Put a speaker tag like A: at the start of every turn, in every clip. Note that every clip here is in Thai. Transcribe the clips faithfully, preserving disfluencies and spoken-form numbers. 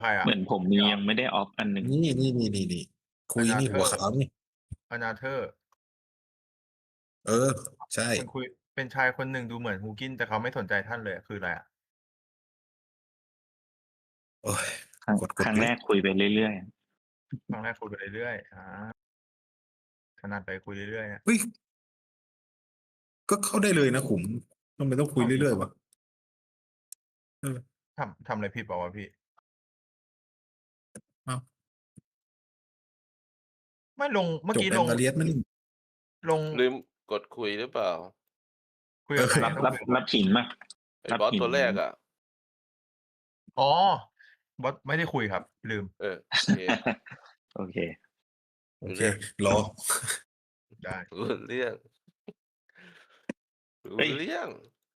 A: ใครอ่ะ
B: เหมือนผมมียังไม่ได้ออฟอันหนึ่ง
C: นี่นี่นี่นี่นี่คุยนี่หัวขาวนี่
A: อนาเธอร์
C: เออ ใช่
A: คนคุยเป็นชายคนหนึ่งดูเหมือนฮูกินแต่เขาไม่สนใจท่านเลยคืออะไรอ่ะ
C: โอ้ย
B: ครั้ง
C: กดก
B: ค
C: ด
B: รั้ง
C: เล
B: แร
C: ย
B: กคุยไปเรื่อย
A: ครั้งแรกคุยไปเรื่อยๆอ่าขนาดไปคุยเรื่อยๆนะ
C: เฮ้ย ก็เข้าได้เลยนะขุมทำไมต้องคุยเรื่อยๆวะเออ
A: ทำทำอะไรผิดเปล่าวะพี่
C: อ้าว
A: ไม่ลงเมื่อ
C: จบ
A: กี้
C: แอ
A: ล
C: ม
A: ง
C: กาเลียสมันนี่
A: ลง
D: ลืมกดคุยหรือเปล่า
A: คุยกับใคร
B: ๆ รับ
A: ต้อง
B: รับ
A: คุยกับ
B: รับหินมา
D: ไอ้
B: รับบ
D: อส
B: หิน
D: ตัวแรกอ่ะ
A: อ๋อบอสไม่ได้คุยครับ ลืม
D: เออ โอเค
B: โอเค
C: โอ
D: รู้
C: เค
D: เรื่อง
C: รอ
A: ได้
D: รู้เรื่อง รู้
B: เฮ้ย
D: เรื่อง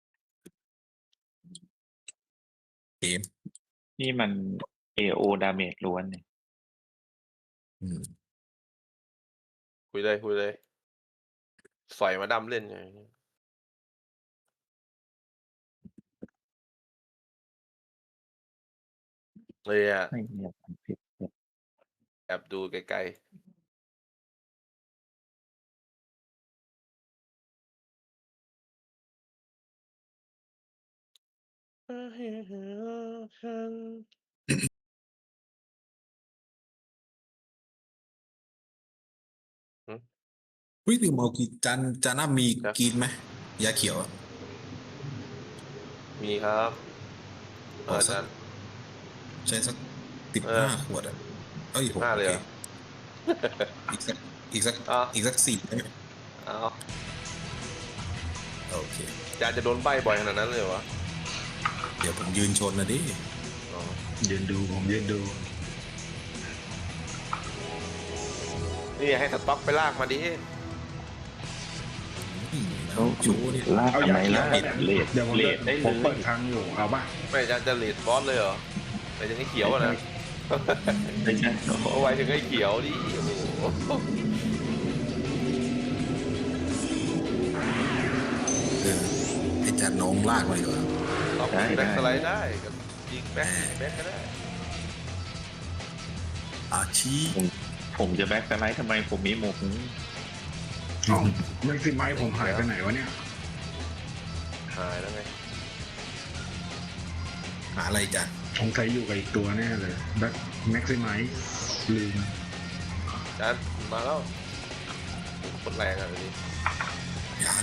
C: เกม
B: นี่มัน เอ โอ damage ล้วนเนี่ย
C: อืม
D: คุยเลยคุยเลยสอยมาดำเล่นไงเลยอ่ะ
B: ไม่มีอะไรผิดเลย
D: แอบดูไกลๆ หือ
C: เฮ้ยลืมเอากีจานจานหน้ามี
D: ครับ
C: กรีนไหมยาเขียวอะ
D: มีครับ เอ
C: เอา
D: อ
C: สั
D: จั
C: ก
D: น
C: ใช้สักสิบ
D: เอ
C: ห้า
D: อ
C: ขวดอะเอ้ย
D: สิบห้า
C: โอ
D: เลย
C: เค
D: เหรอ
C: อีกสัก อีกสัก
D: อ้าว
C: อีกสักสี่ได้ไหม
D: อ้าว
C: โอเค
D: จานจะโดนใบ้บ่อยขนาดนั้นเลยเหรอวะ
C: เดี๋ยวผมยืนชนนะดิ
D: อ๋อ
E: ยืนดูผมยืนดู
D: นี่ให้สต็อกไปลากมาดิ
C: อืม
B: เขา
C: ชูนี่
B: ลาก
E: เอา
B: ทำ
E: ยา
B: ไม
E: เขีย
B: ล่ะ
E: วเนี่ย
B: เลด
E: เดี๋ยวผม
B: เล
E: จะ
B: ดได้
E: ผม
B: เล
E: เปิ
B: ย
E: ดทางอยู่เอาป่ะ
D: ไม่จานจะเลดบอสเลยเหรอไปถึงไอ้เขียวอะนะ
B: ไม่ใช่โอ้โห
D: เอาไว้ถึงไอ้เขียวดิโอ้โห
C: เออไอ้จานน้องลากมาดีกว่า
D: ล็อกแบ็คสไลด์ได้กับยิงแบ็คแบ็คก็ได้
C: อาชี
B: ผมผมจะแบ็คสไลด์ทำไมผมมีหมวก
E: อ๋อแม็กซิไมผมหายไปไหนวะเนี่ย
D: หายแล้วไง
C: หาอะไรจาน
E: สงสัยอยู่กับอีกตัวแน่เลยแบ็คแม็กซิไมลืม
D: จานมาแล้วคนแรงอ่ะทีนี้
C: ยัง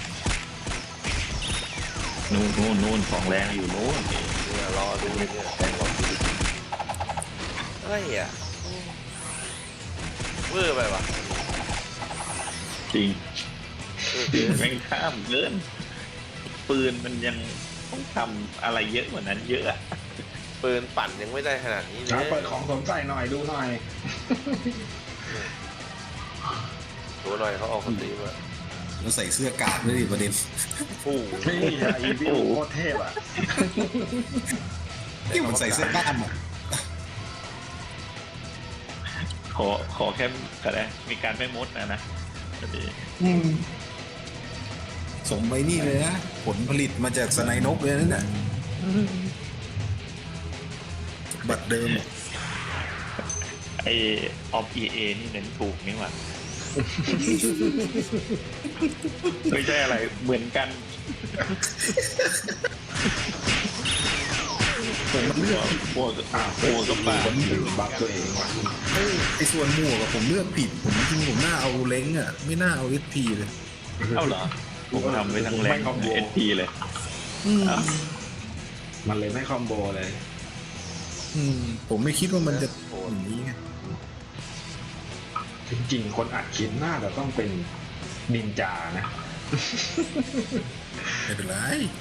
B: นู่นนู่นนู่นของแรงอยู่นู่น
D: เนี่ยรอดูเนี่ยรอดูอะไรอ่ะเวอร์ไปปะ
B: จริง
D: เออ
B: คือแม่งข้ามเกินปืนมันยังต้องทำอะไรเยอะกว่านั้นเยอะอะ
D: ปืนปั่นยังไม่ได้ขนาดนี้เล
E: จ้าย เปิดของสวมใส่หน่อยดูหน่อย
D: ดูหน่อยเขาออกคนตีมา
C: เราใส่เสื้อกาดด้วยดิประเด็น
D: โอ้โห
E: นี่ยาอีวิวโคตรเทพอ่ะ
C: นี่มันใส่เสื้อกล้ามอ่ะ
B: ขอขอแค่ก็ได้มีการไม่มดนะนะก็ดี
C: อืมสมไปนี่เลยนะ ผลผลิตมาจากสไนนกเลยนั่นน่ะบัตรเดิมอะ
B: ไอออฟเอเอนี่เน้นถูกนี่หว่าไม่ใช่อะไรเหมือนกัน
C: ผมมันเลือกผิด
B: หัวกับ
E: อ้าว
B: หัวกับปาก
E: ผมลืมบัฟตัวเองว่ะ
C: เอ้ยไอ้ส่วนหมวกอะผมเลือกผิด ผมจริงๆผมน่าเอาเล้งอ่ะ ไม่น่าเอาเอสพีเลย
B: เอ้าเหรอผมทำไว้ทั้งแรง
E: ไม่คอมโบ
B: เอสพีเลย
C: อืม
B: อ้าว
E: มันเลยไม่คอมโบเลย
C: อืมผมไม่คิดว่ามันจะอย่างนี้ไง
E: จริงๆ คนอัดคลิปน่าจะต้องเป็นนินจานะ
C: ไม่เป็นไร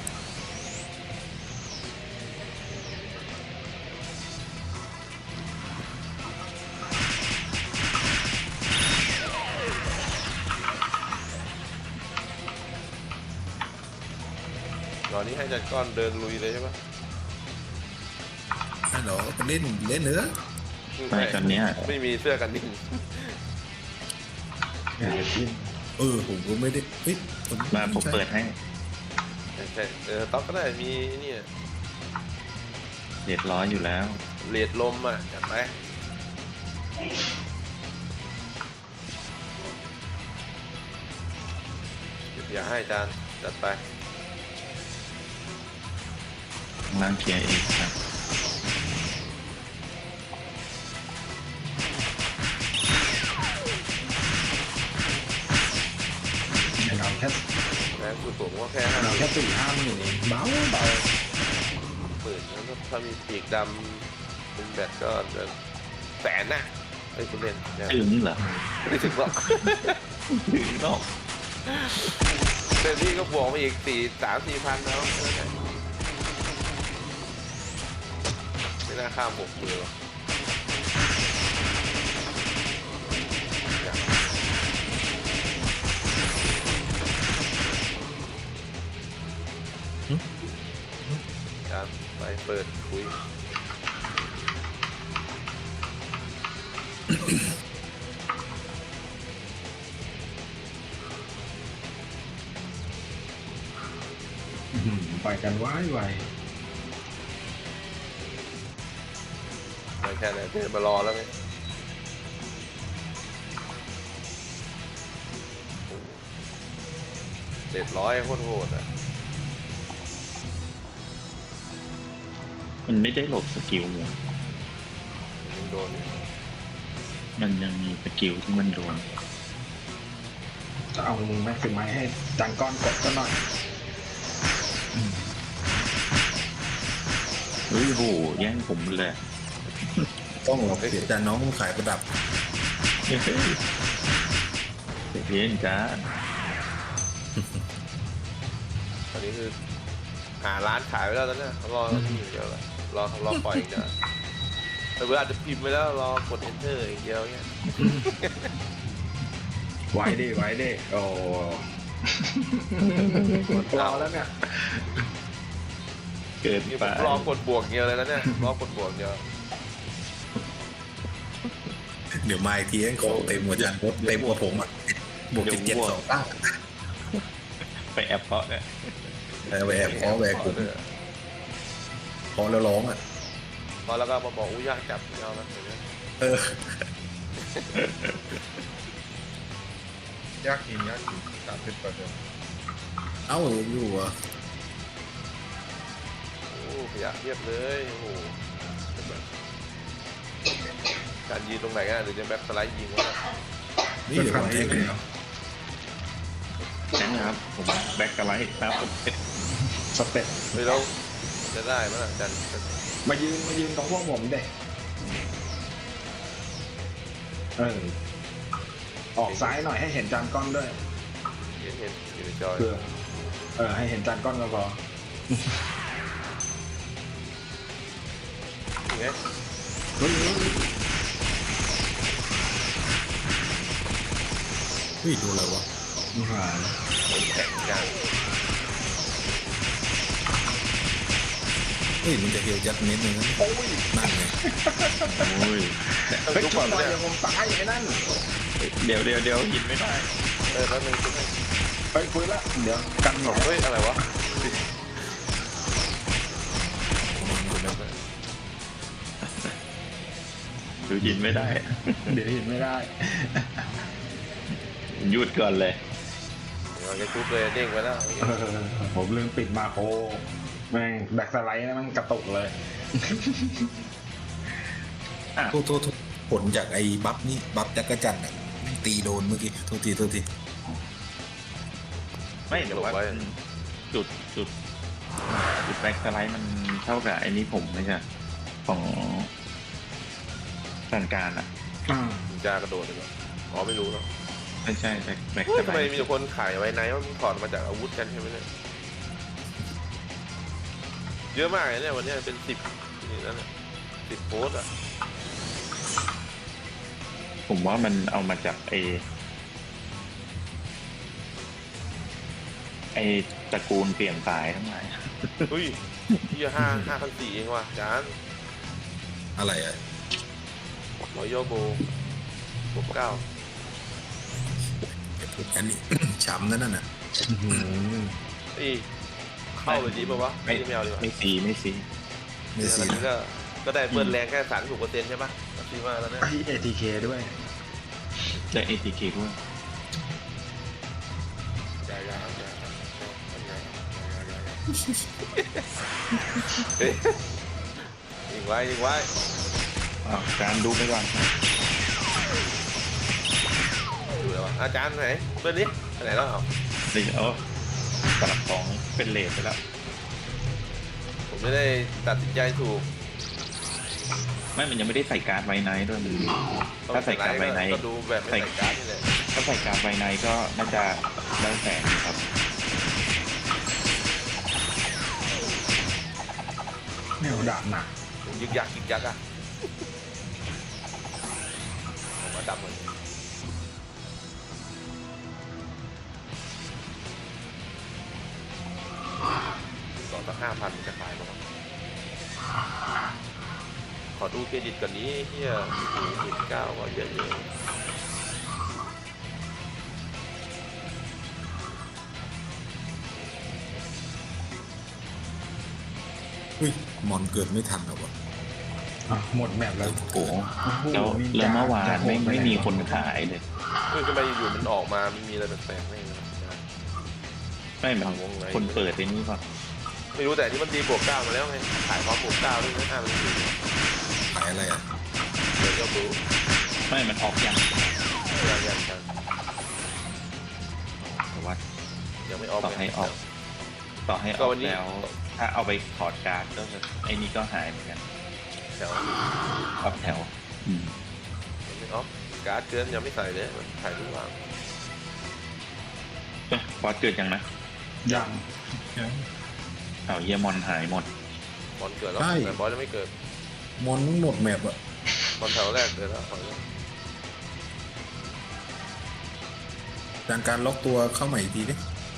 D: ตอนนี้ให้จัดก้อนเดินลุยเลยใช่ปะ
C: ฮัลโหลเล่นเล่นเนื้อ
B: ไม่ตอนเนี้ย
D: ไม่มีเสื้อกันนิ่ง
C: เออผมก็ไม่ได้เฮ้ยผม
B: มาผมเปิดให้
D: ใช่ใช่เออต๊อกก็ได้มีเนี่ย
B: เรียบร้อยอยู่แล้ว
D: เอเลดลมอ่ะจัดไปอย่าให้จานจัดไป
B: ล้างเคลียร์เองครับ
E: เราแค่
D: แรงสุดผมก็แค่ห้า
E: เรา
D: ห
E: แค่สี่ห้าหมื่นเองเบาเบา
D: มื่นแล้วก็ถ้ามีปีกดำเป็นแบตก็จะแสนน่ะไอ้ยคุณเล่นเนี่ย
B: ถึงเหรอ
D: ไม่ได้ถึงหรอก
B: ถึงหรอก
D: เต็มที่ก็บวกมาอีกสี่สามสี่พันแล้วไม่น่าข้ามหกมือหรอกครับไปเปิดคุย
E: อื้อหือไปกันไว้ไว
D: ไม่แค่ไหนเดินมารอแล้วไงเจ็ดร้อยโคตรโหดอ่ะ
B: มันไม่ได้หลบสกิลเลย
D: ยังโดนอยู่
B: มันยังมีสกิลที่มันโดน
E: จะเอาแม็กซิมัยให้จังก้อนกดก็หน่อย
B: เฮ้ยโหแย่งผมเลย
C: ต้องหรอกเสียจานน้องขายประดับ
B: เฮ้ยเสียเพี้ยนจ้า
D: ตอนนี้คือหาร้านขายไปแล้วตอนนี้รอที่อย่างเดียวละรอรอปล่อยอีกเดียวแต่เวลาอาจจะพิมพ์ไปแล้วรอกด enter อีกเดียวเงี้ย
E: ไว้ดิไว้ดิโอ้หมดตัวแล้วเนี่ย
B: เกิน
D: นี่ผ
B: ไป
D: มรอกดบวกเดียวเลยแล้วเนี่ยรอกดบวกเดียว
C: เดี๋ยวมาอีกทีของเต็มหัวจานรถเต็มกว่าผมอ่ะบวกเจ็ดเจ็ดสองตั้ง
B: ไปแอปเพาะเนี่ย
C: แหวกคอแหวกผมพอแล้วร้องอ่ะ
D: พอแล้วก็มาบอกอุ้ยยากจับเอาละอย่างเงี้ย
C: เออ
A: ยากจริงยากจริงสามสิบเปอร์เซ็นต์
C: เอ้าอยู่อ่ะ
D: โอ้ขยะเทียบเลยโอ้โหการยืนตรงไหนกันหรือจะแบ็คสไลด์ยิงวะ
C: นี่เดี๋ยวผมแทงแล้ว
B: ใช่ไหมครับ ผมแบ็กกะไลท์ครับผม
E: สเต็ป
D: เฮ้ยเราจะได้ไหมล่ะจัน
E: มายืนมายืนตรงพวกผมเด็กเออออกซ้ายหน่อยให้เห็นจานก้อนด้วย
D: เห็นเห็นอยู่ในจอย
E: เพื่อเออให้เห็นจานก้อนก็พอ
D: ยังไง
E: เฮ้ยเฮ้ย
C: เฮ้ยดูอะไรวะ
E: นี่หว่า
D: คนแข่งกัน
C: เฮ้ยมันจะเฮียวยัดเม็ดนึงนะ
E: โอ้ย
C: นั่นไง
B: โอ้ย
E: เฮ้ย
D: ทุก
E: ชุ
D: ค
E: ด
D: น
E: หน่อย
D: เนี่ย
E: เดี๋ยวผมตายไอ้นั่น
B: เดี๋ยวเดี๋ยวเดี๋ยวหินไม่ได้
D: เออแป๊บนึงคุณให้
E: เฮ้ยคุยละเดี๋ยวกันหน่อย
D: เฮ้ยอะไรวะ
B: ดูหินไม่ได้
E: เดี๋ยวเห็นไม่ได้
B: หยุดก่อนเลย
D: เดี๋ยวจะชุบเลยเด้งไปแล้ว
E: เออผมลืมปิดมาโครแม่งแบ็คสไลด์นะมันกระตุกเลย
C: โทษโทษโทษผลจากไอ้บัฟนี่บัฟจักรจันทร์อ่ะตีโดนเมื่อกี้โทษทีโทษที
B: ไม่แต่ว่าจุดจุดจุดแบ็กสไลด์มันเท่ากับไอ้นี้ผมไม่ใช่ของสันการอ่ะ
E: อ่า
D: มึงจะกระโดดเลยเหรออ๋อไม่รู้หรอก
B: ไม่ใช่แบ็กแบ็ก
D: เฮ้
B: ส
D: ยทำ
B: ไล
D: ไม
B: ด์
D: มีแต่คนขายไว้ไหนว่ามันถอดมาจากอาวุธกันใช่ไหมเนี่ยเยอะมากเลยเนี่ยวันนี้เป็นสิบนี่นั่นแหละสิบโพสต์อ่ะ
B: ผมว่ามันเอามาจากไอไอตระกูลเปลี่ยนสายทั้งหลาย
D: เฮ้ยที่ห้าห้าพันสี่เองว่ะจาน
C: อะไรอ่ะ
D: รอยโยโบหกเก้า
C: อันนี้ ช้ำนั่นน่ะ
E: อื้อหือ
D: อีเข้าเลยดีป่าวะไม่ไม่เอาดีกว่า
B: ไม่ซีไม่ซี
C: ไม่
D: อั
C: สิ
D: นนี้ก็ก็ได้เบิ้ลแรงแค่สามสิบหกเปอร์เซ็นต์ใช่ปะซื้อมาแล้วเนี่ย
E: ไอเอทีเคด้วย
B: ได้ เอ ที เค ด้วย
D: อย่าอย่าอย่าอย่าอย่าเฮ้ยยิงไว้ยิงไว้
B: อ้าวการดูไปก่อน
D: ดูแล้วอาจารย์ไหนเบิ้ลนี้ไปไหนแล้วเอา
B: เดี๋ยวเอาสลับของเป็นเลทไปแล้ว
D: ผมไม่ได้ตัดสินใจถูก
B: ไม่ มันยังไม่ได้ใส่การ์ดไวไนท์ด้วยมันถ้าใส่การ์ดไวไนท์
D: ก็ดูแบบไม่ใส่การ์ดนี่แหละ
B: ถ้าใส่การ์ดไวไนท์ก็น่าจะได้แสนอยู่ครับ
E: เนี่ยดาบหนัก
D: ยึกยักยึกยักอ่ะผมว่าดำเหมือนต่อตั้งห้าพันจะขายมั้งขอดูเครดิตก่อนนี้เฮียหมื่นเก้าก็เยอะเลย
C: เฮ้ยมอนเกิดไม่ทันหรอวะ
E: อ่ะหมดแมปแล้ว
B: โอ้โห
E: โอ้โห
B: แล้ว
E: นินจ
B: แล้วเมื่อวาน
E: จะโห
B: ไม่
E: ดป
B: ไม่
E: ห
B: มีคนขายเลย
D: เฮ้ยทำไมอยู่ๆมันออกมาไม่มีอะไรแปลกๆไม่รู้
B: ไม่เหมือนคนเปิดไอ้นี่ป่ะ
D: ไม่รู้แต่ที่มันตีบวกเก้ามาแล้วไงขายพร้อมบวกเก้าด้วยนะห้าพันสี่
C: ขายอะไรอ่ะ
D: เดี๋ยวก็รู้
B: ไม่ มันออกยัง
D: ยังยังยัง
B: แต่ว่า
D: ยังไม่ออก
B: ต่อให้ออก ต่อให้อ
D: ก็
B: อก
D: วันนี้
B: แล้ว ถ้าเอาไปถอดการ์ดก็ไอ้นี่ก็หายเหมือนกัน
D: แถว
B: ออกแถว อืม
D: ยังไม่ออกการ์ดเกินยังไม่ใส่เลยมันขายทุกวัน
B: เอ้ยบอสเกิดยังนะ
E: ยัง
B: เอาเยียมอนหายหมด
D: บอลเกิดแล้วแต่บอลยังไม่เกิด
C: มอนมันหมดแมปอ่ะ
D: บอลแถวแรกเกิดแล้วขอแล้ว
C: การการล็อกตัวเข้าใหม่อีกทีดิ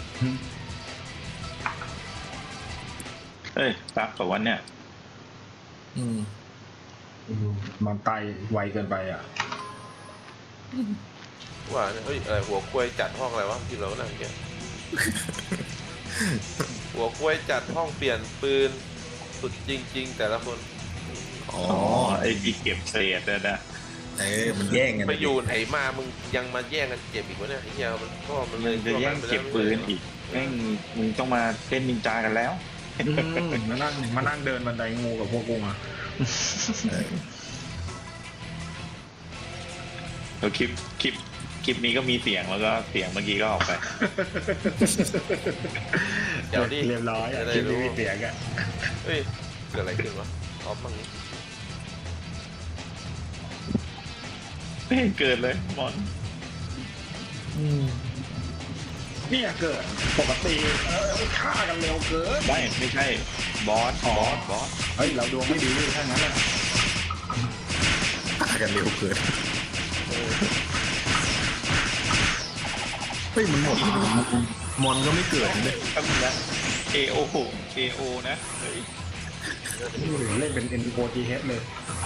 B: เอ้ยซักแต่ว่าเนี่ย
C: อืม
E: มันไตไวเกินไปอ่ะ
D: ว่าเนี่ยเฮ้ยอะไรหัวกล้วยจัดห้องอะไรวะที่เราก็นั่งเกี่ยหัวกล้วยจัดห้องเปลี่ยนปืนสุดจริง ๆ แต่ละคน
C: อ๋อ
B: อ๋อ ไอ้ที่เก็บเศษนะนะ
C: เอ้ยมันแย่งกัน
D: ไปอยู่ไหนมามึงยังมาแย่งกันเจ็บอีกวะเนี่ยไอ้เหี้ยมันก็มันเล
B: มึ
D: ย
B: งจะแย่งเก็บปืนอีกแม่งมึงต้องมาเล่นนินจากันแล้ว
E: อืมมานั่งมานั่งเดินบันไดงูกับพวกกูอ่ะ
C: เออ
B: แล้วคลิปคลิปคลิปนี้ก็มีเสียงแล้วก็เสียงเมื่อกี้ก็ออกไป
D: เดี๋ยวดิ
E: เรียบร้อยอ่ะ
D: จะได้
E: คลิป
D: รู้
E: นี้มีเสียงอ่ะ
D: เฮ้ยเกิดอะไรขึ้นวะออฟมั่งนี้
B: ไม่เห็นเกิดเลยมอน
C: อืม
E: เนี่ยเกิดปกติเออฆ่ากันเร็วเกิน
B: ไม่ไม่ใช่บอสบอสบอส
E: เฮ้ยเราดวงไม่ดีถ้างั้นอ่ะ
C: ฆ่ากันเร็วเกินเฮ้ยมันหมดมอนก็ไม่เกิดเลย
B: ทำนะ เอ โอ เอ โอ นะเฮ้ย
E: เล่นเป็น เอ็น โอ ที เอช เลย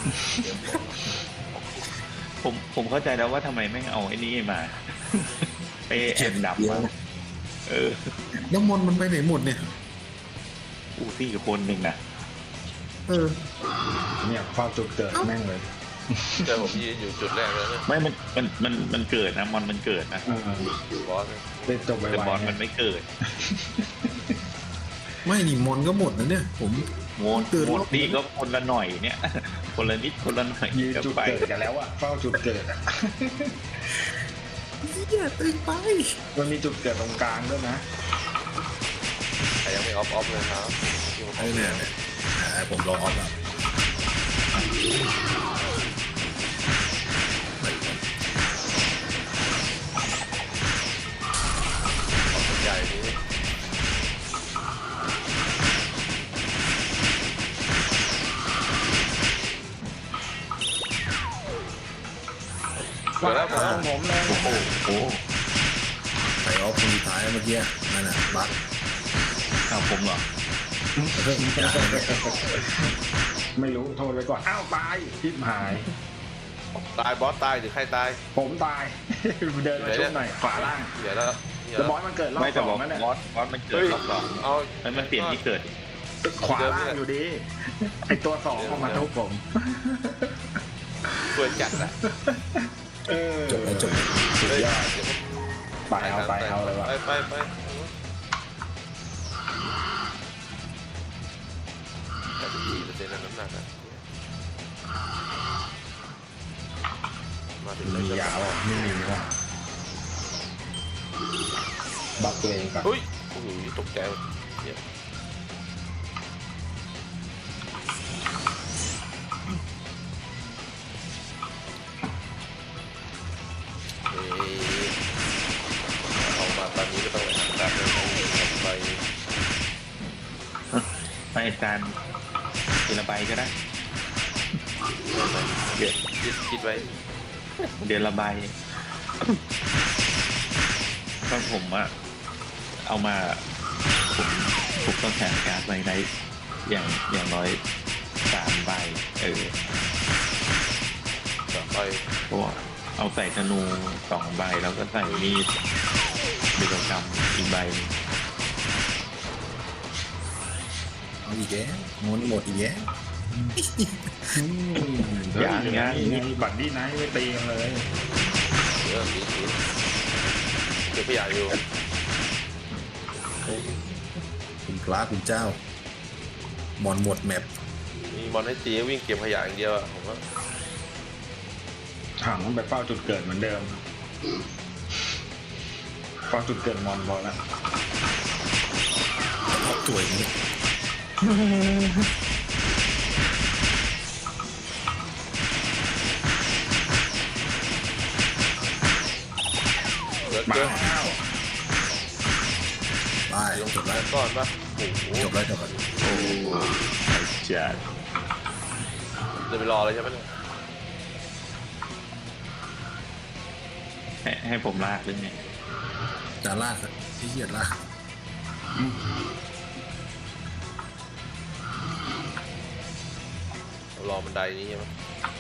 B: ผมผมเข้าใจแล้วว่าทำไมไม่เอาไอ้นี่มาไปแอบดับมาเออ
C: แล้วมอนมันไปไหนหมดเนี่ย
B: อูซี่คนหนึ่งนะ
C: เออ
E: เนี่ยเฝ้าจุดเกิดแม่งเลย
D: เจอผมยืนอยู่จุดแรกแล้วเนี่ย
B: ไม่มันมันมันมันเกิดนะมอนมันเกิดนะ
E: เออบ
D: อสเนี่ย
E: เล่นจบไว
B: แต่บอส
E: ๆ
B: มันไม่เกิด
C: ไม่นี่มอนก็หมดนะเนี่ย ผม
B: โมด
C: เกิด
B: โม
C: ร
B: ด
C: อบ
B: นี่ก็คนละหน่อยเนี่ย คนละนิดคนละหน่อย
E: ยืน
B: เดี๋ยว
E: จุด
B: ไป
E: เกิดกันแล้วอ่ะเฝ้าจุดเกิดอ่ะ
C: เหี้ยตึงไป
E: มันมีจุดเกิดตรงกลางด้วยนะ
D: ใครยังไม่ออฟออฟเลยครับที่ผม
C: ไอ้เนี่ยเนี่ยอ่าผมรอออฟอ่ะ
D: ใหญ่นี้ เกิดแล้วเกิดแล้ว
E: ผมเลย
B: โอ้โหโอ้โห
C: ใส่ออฟคนสุดท้ายเมื่อกี้นั่นน่ะบัค
B: เอาผมเหรอ
C: เพิ่มอีกอย่างเนี่ย
E: ไม่รู้โทษไปก่อน อ้าวตายทิพหาย
D: ตายบอสตายหรือใครตาย
E: ผมตาย เดินมาชุบหน่อยขวาล่าง
D: เดี๋ยวแล้วเดี๋ยว
E: แล้ว
D: แล้ว
E: บอสมันเกิดรอบ
B: ไม่
E: ส
B: แต่
E: อบ
B: อง ก
E: นั่นแหละ
B: บอสบอสมันเกิด
D: เฮ้ย
B: รอบสอง
D: เอา
B: มันมันเปลี่ยนที่เกิด
E: ขวาล่างอยู่ดีไอตัวสองออกมาทุบผม
D: ช่วยจัดอะ
E: เออ
C: จบแล้วจบ
E: สุด
D: เฮ้ย
E: ยอด
D: เดี๋ยวผม
E: ไปเอาไปเอาเลยว่ะ
D: ไปไปไปแต่ที่เปอร์เซ็นต์น้ำหนักอะมาถึงเลย
E: มียาวอ่ะไม่มีว่ะบักตัวเองก่อน
D: เฮ้ยโอ้โหตกใจหมดเนี่ยเอ้ยเอามาตอนนี้ก็ต้องแบบเลยเอาไป
B: ไปอาจารย์ทีละใบก็ได้
D: เดี๋ยวคิดคิดไว้
B: เดือนละใบก็ผมอะเอามาผมผมต้องแข่งการดไว้ในอย่างอย่างน้อยสามใบเออ
D: ต่อไป
B: เพราะว่าเอาใส่ธนูสองใบแล้วก็ใส่มีดกิจกรรมอีกใบหนึ่ง
C: เอาอีกแล้วงนหมดอีกแล้ว
B: อย่างเงี้ย
E: ไงบัตรดี้ไนท์ไม่ตีกันเลย
D: เริ่มดีทีเก็บขยะอยู่
C: คุณพระคุณเจ้า มอนหมดแมป
D: มีมอนให้ตีวิ่งเก็บขยะอย่างเดียวอะผมว่า
E: ถังมันไปเฝ้าจุดเกิดเหมือนเดิมเฝ้าจุดเกิดมอนพอแล้ว
C: ชอบตัวอย่างนี้
D: เหลือ
E: มา
D: เกิน
E: แล้ว
C: ไป
D: ลง
C: จบ
D: แล้
C: แล้ว
D: วก่อนปะโอ้โห
C: จบแล้วจบแล้ว
B: โอ้ไอ้จัด
D: จะไปรอเลยใช่ไหมเนี่ย
B: ให้ให้ผมลากหรือไง
C: จะลากอะที่เหี้ยลาก
D: รอบันไดนี้ใช่ไหม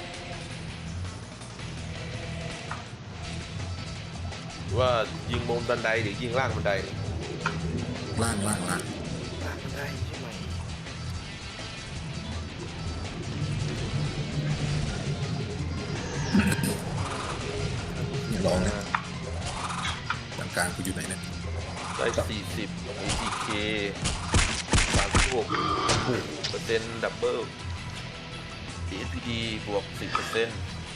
D: หรือว่ายิงบนบันไดหรือยิงล่างบันได
C: ล่างล่างล่าง
D: ล่างบันไดใช่ไหม
C: ลองนะหลังการกูอยู่ไหนเนี่ย
D: ได้สี่สิบ เอ ที เค สามสิบหกเปอร์เซ็นต์ดับเบิล เอ เอส พี ดี บวกสิบเปอร์เซ็นต์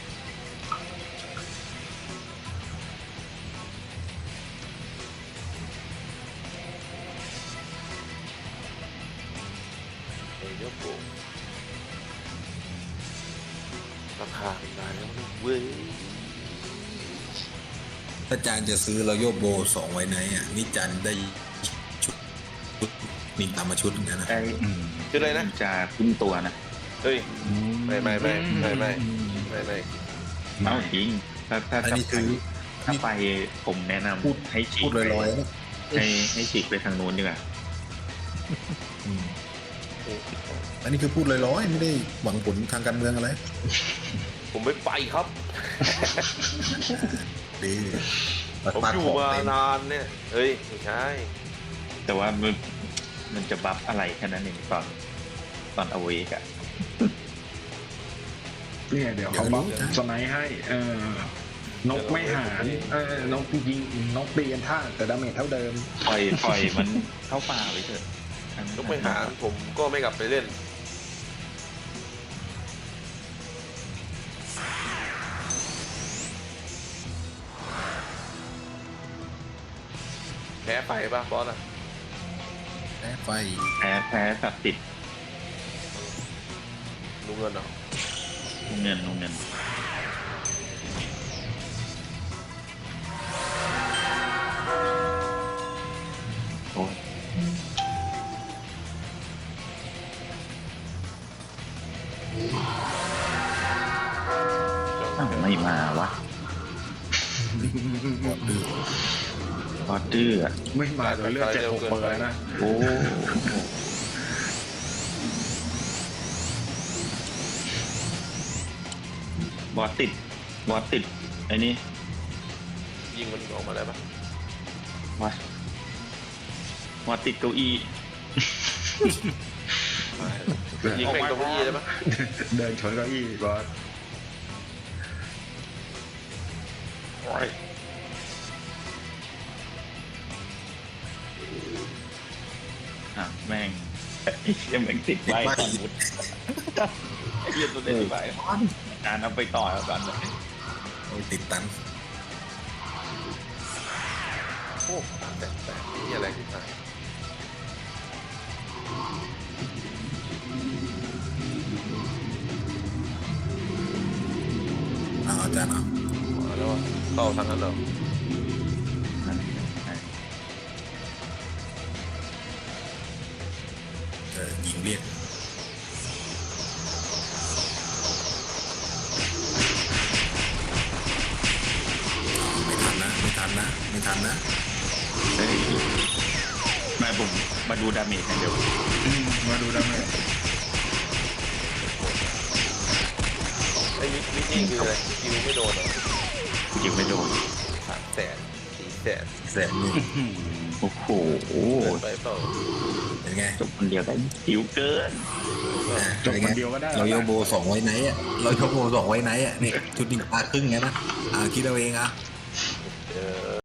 D: เฮ้ยยกโบราคาเป็นได้แล้วนะเว้ย
C: ถ้าจานจะซื้อเราโยบโบสองไว้ไหนอ่ะนี่จานได้ชุดชุดมีตามมาชุดเหมือนกันนะ
B: ได้
E: อืม
D: ชื่ออะไรนะ
B: จะขึ้นตัวนะ
D: เฮ้ย ไม่ไม่ไม่ไม่ไม่ ไม่ไม่
B: เอ้าจริงถ้าถ้า
C: อัน
B: ถ้า
C: นี้
B: ไป
C: ซื้อ
B: ถ้าไปผมแนะน
C: พูด
B: ำให้ฉี
C: พู
B: ก
C: ด
B: ไป
C: ลอยๆนะ
B: ให้ให้ฉีกไปทางนู้นดีกว่า
C: อืมอันนี้คือพูดลอยๆไม่ได้หวังผลทางการเมืองอะไร
D: ผมไม่ไปครับ
C: ดี
D: ผม
C: ปาก
D: อยู่
C: ของ
D: มา
C: เต็ม
D: นานเนี่ย เฮ้ย ไม่ใช่
B: แต่ว่ามันมันจะบัฟอะไรแค่นั้นเองตอนตอนเอาเวกอะ
E: เนี่ยเดี๋ยวเขาบัฟสไนด์ให้ เออนกไม่หารเออนกยิงนกตีกันท่าแต่ดาเมจเท่าเดิม
B: ปล่อยปล่อยมันเข้าป่าไปเถอะอันนั้น
D: ยกไม่หารผมก็ไม่กลับไปเล่น แพ้ไปป่ะบอสอ่ะ
C: แพ้ไฟ
B: แพ้แพ้สับติด
D: ลุงเงินเหรอ
B: ลงเงินลงเงินโอ้ยอ้าวไม่มาวะ
C: หมดดื้อ
B: พอดื้ออะ
E: ไม่มาเดี๋ยวเลือดเจ็ดหกเปอร์แล้วนะ
B: โอ้บอสติดบอสติดไอ้นี่
D: ยิงมันออกมาได้ปะ
B: บอสบอสติดเก้าอี้
D: ยิงแม่งตรงนี้ได้ปะ
E: เดินชนเก้าอี้บอส
B: โอ้ยอ่ะแม่งไอ้เหี้ยแม่งติดไว้สมุดไอ้เหี้ยตัวเล่นติดไว้อ่านเอาไปต่อแล้วกันเลย
C: โอ้ยติดตัน
D: โอ้แต่แต่นี่อะไรที่ไหน
C: เอาอาจารย์เอา
D: มาแล้วเข้าทางนั้นเหรอ
B: นั่นไง
C: เออยิงเรียกไม่ทันนะไม่ทันนะไม่ทันนะ
B: เฮ้ยไมาผมมาดูดาเมจกันเดี๋ยว
E: อืมมาดูได้ไหม
D: ไอ้มิมินี่คืออะไรคิวไม่โดนเหรอ
B: ยิงไม่โดน
D: สามแสนสี่แสน
C: แสนนี่
B: โอ้โห
D: เกินไปเปล่า
C: เป็นไง
B: จบคนเดียวได้หิวเกิน
E: จบคนเดียวก็ได้
C: เราโยโบสองไว้ไหนอ่ะเราโยโบสองไว้ไหนอ่ะนี่ชุดนี้ปลาครึ่งไงนะอ่าคิดเอาเองอ่ะ
D: เออ